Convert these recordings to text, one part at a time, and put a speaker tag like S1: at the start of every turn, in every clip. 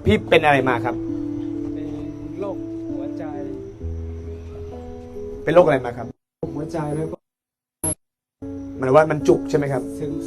S1: พี่เป็นอะไรมาครับ
S2: เป็นโรคหัวใจ
S1: เป็นโรคอะไรมาครับ
S2: หัวใจแล้วก็
S1: หมายว่ามันจุกใช่ไหมครับ
S2: ซึม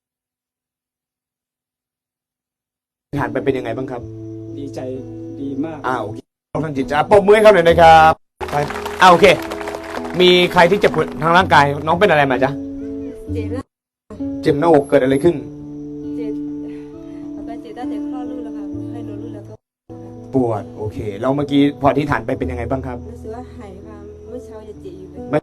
S1: ผ่านไปเป็นยังไงบ้างครับ
S2: ดีใจดีมาก
S1: โอเคทางจิตจะปมมือให้เขาหน่อยนะครับไปโอเคมีใครที่เจ็บปวดทางร่างกายน้องเป็นอะไรมาจ๊ะเจ็บหน้าอกเกิดอะไรขึ้น
S3: เจ็บตั้งแต่คลอดลูกแล้วค่ะให้นมลูกแล้วก็
S1: ปวดโอเคแล้วเมื่อกี้พอที่ฐานไปเป็นยังไงบ้างครับ
S3: รู้สึกว่าหายค่ะเมื่อเช้าจะเจ็บอยู่เลย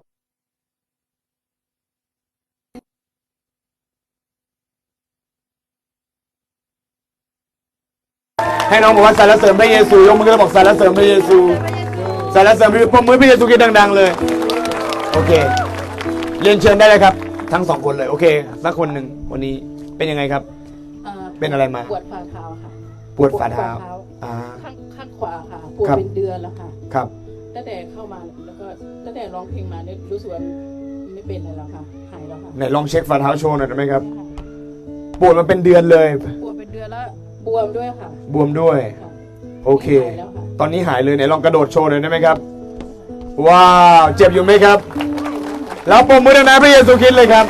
S1: ให้น้องบอกว่าสรรเสริญพระเยซูยกมือแล้วบอกสรรเสริญพระเยซูสรรเสริญพระเยซูปมมือพระเยซูกินดังๆเลยโอเคเรียนเชิญได้เลยครับทั้งสองคนเลยโอเคสักคนหนึ่งวันนี้เป็นยังไงครับเป็นอะไรมา
S4: ปวดฝ่าเท้าค่ะ
S1: ปวดฝ่าเท้า
S4: ข้างขวาค่ะปวดเป็นเดือนแล้วค่ะ
S1: ครับ
S4: ตั้งแต่เข้ามาแล้วก็ตั้งแต่ร้องเพลงมาเนี่ยรู้สึกว่าไม่เป็นอะไรแล้วค่ะหายแล้วค่ะ
S1: ไหนลองเช็คฝ่าเท้าโชว์หน่อยได้ไหมครับปวดมาเป็นเดือนเลย
S4: ปวดเป็นเดือนแล้วบวมด้วยค่ะ
S1: บวมด้วยโอเคตอนนี้หายเลยไหนลองกระโดดโชว์หน่อยได้ไหมครับว้าวเจ็บอยู่ไหมครับแล้วปมมือดังๆพระเยซูคริสต์เลยครับ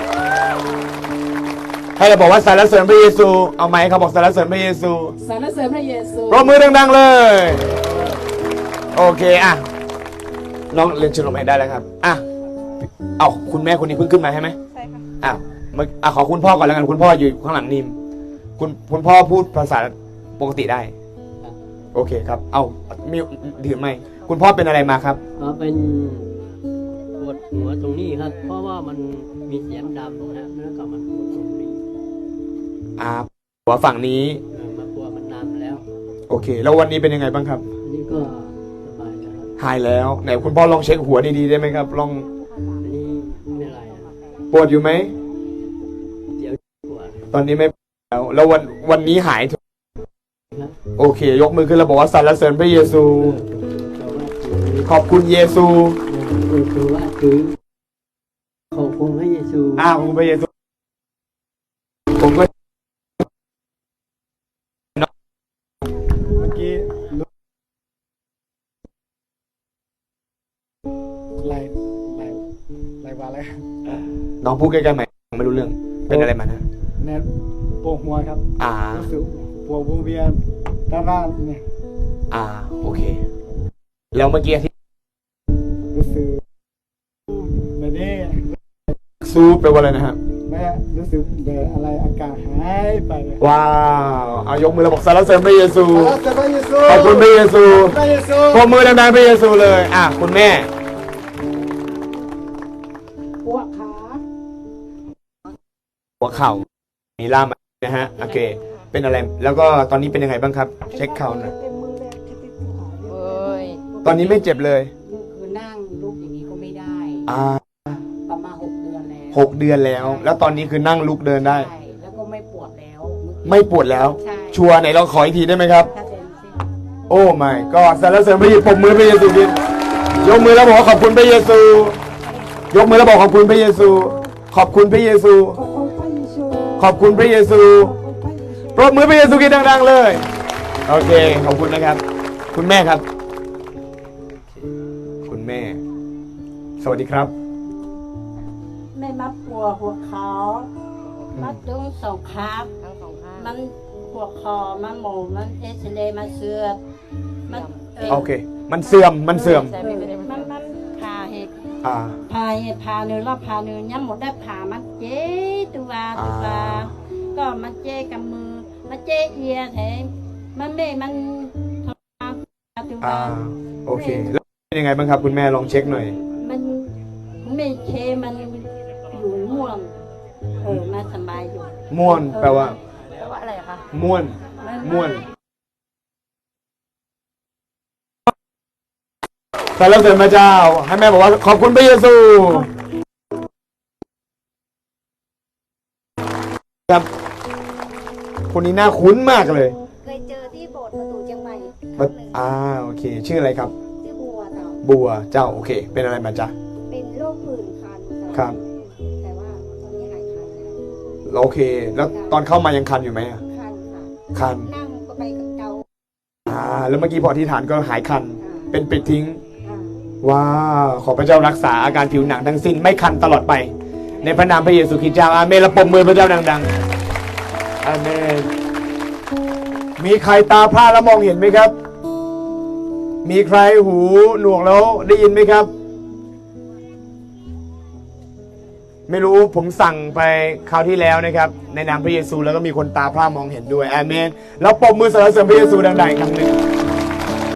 S1: ให้เราบอกว่าสรรเสริญพระเยซูเอาไหมเขาบอกสรรเสริญพระเยซู
S4: สรรเสริญพระเยซู
S1: ปรบมือดังๆเลยโอเคน้องเรียนเชิญลงไปได้แล้วครับเอาคุณแม่คนนี้เพิ่งขึ้นมาใช่ไหม
S3: ใช่ค่ะ
S1: ขอคุณพ่อก่อนแล้วกันคุณพ่ออยู่ข้างหลังนิมคุณพ่อพูดภาษาปกติได้โอเคครับเอามีถือไหมคุณพ่อเป็นอะไรมาครับ
S5: เป็นปวดหัวตรงนี้ครับเพราะว่ามันมีเสียมดำนะแล้วก็มันปวดตรงนี้
S1: หัวฝั่งนี้
S5: มาปวดมันนานแล้ว
S1: โอเคแล้ววันนี้เป็นยังไงบ้างครับ
S5: อันนี้ก็สบายแล้ว
S1: หายแล้วไหนคุณพ่อลองเช็คหัวดีๆได้ไหมครับลอง
S5: อันนี้ไม่ไร
S1: ปวดอยู่ไหม
S5: เดี๋ยวปวด
S1: ตอนนี้ไม่แล้ววันนี้หายโอเคยกมือขึ้นแล้วบอกว่าสรรเสริญพระเยซูขอบคุณเยซู
S5: คือว่าคือขอบคุณพระเยซู
S1: ขอบคุณพระเยซูผมก็เมื่อกี้
S2: ไรวะอะไร
S1: น้องพูดใกล้ๆไหมไม่รู้เรื่องเป็นอะไรมานะ
S2: เนี่ยปวดหัวครับรู้สึกปวดวงเวียนด้านล่างเนี่ย
S1: โอเคแล้วเมื่อกี้ที่
S2: รู้สึกแบบนี้
S1: ซูไปว่าอะไรนะครับ
S2: แม่รู้สึกแบบอะไรอากาศหายไป
S1: ว้าวเอายกมือแล้วบอกสรรเสริญพระเยซู
S2: ข
S1: อบคุณพระเยซูปรบมือดังๆพระเยซูเลยคุณแม่
S4: หัวขา
S1: หัวเข่ามีล่ามนะฮะโอเคเป็นอะไรแล้วก็ตอนนี้เป็นยังไงบ้างครับเช็คเข่าหน่อยตอนนี้ไม่เจ็บเลย
S4: คือนั่งลุกอย่างนี้ก็ไม่ได้ประมาณ6 เดือนแล้ว
S1: 6 เดือนแล้วตอนนี้คือนั่งลุกเดินได้
S4: แล้วก็ไม่ปวดแล้ว
S1: ไม่ปวดแล้วชัวร์ไหนลองขออีกทีได้ไหมครับโอ้ไม่ก็สรรเสริญพระเยซูปรบมือพระเยซูดิยกมือแล้วบอกขอบคุณพระเยซูยกมือแล้วบอกขอบคุณพระเยซูขอบคุณพระเยซูขอบคุณพระเยซูปรบมือพระเยซูกินดังๆเลยโอเคขอบคุณนะครับคุณแม่ครับคุณแม่สวัสดีครับ
S6: แม่มาปวดหัวเขามาตรงสองข้างมันหัวคอมันหมูมันเอสเลมาเสื่อมมัน
S1: โอเคมันเสื่อม
S6: มันพาเหตุพาเนื้อรอบพาเนื้อย้ำหมดได้ผ่ามันเจ๊ตัวก็มันเจ๊กับมือมันเจ๊เอียแถมมันไม่มันทำตัว
S1: โอเคแล้วเป็นยังไงบ้างครับคุณแม่ลองเช็คหน่อย
S6: มันไม่เคมันอยู่ม่วนมาสบายอยู่
S1: ม่วนแปลว่า
S6: อะไรคะ
S1: ม่วนสรรเสริญพระเจ้าให้แม่บอกว่าขอบคุณพระเยซูครับคนนี้น่าคุ้นมากเลย
S3: เคยเจอที่โบสถ์ประตูเชียงใหม่
S1: โอเคชื่ออะไรครับ
S3: ชื่อบัว
S1: เจ้าโอเคเป็นอะไรมาจ๊ะ
S3: เป็นโรคผื่นคัน
S1: ครับ
S3: แต่ว่าตอนนี้หายคัน
S1: โอเคแล้วตอนเข้ามายังคันอยู่ไหม
S3: คันค่ะ
S1: คัน
S3: นั่งก็ไปกับเกา
S1: แล้วเมื่อกี้พอที่ฐานก็หายคัน เป็นปิดทิ้ง ว้าวขอพระเจ้ารักษาอาการผิวหนังทั้งสิ้นไม่คันตลอดไป ในพระนามพระเยซูคริสต์เจ้าอาเมนและปรบมือพระเจ้าดังๆอาเมนมีใครตาพร่าแล้วมองเห็นไหมครับ มีใครหูหนวกแล้วได้ยินไหมครับ ไม่รู้ผมสั่งไปคราวที่แล้วนะครับ ในนามพระเยซูแล้วก็มีคนตาพร่ามองเห็นด้วยอาเมนแล้วปรบมือสรรเสริญพระเยซูดังๆอีกครั้งหนึ่ง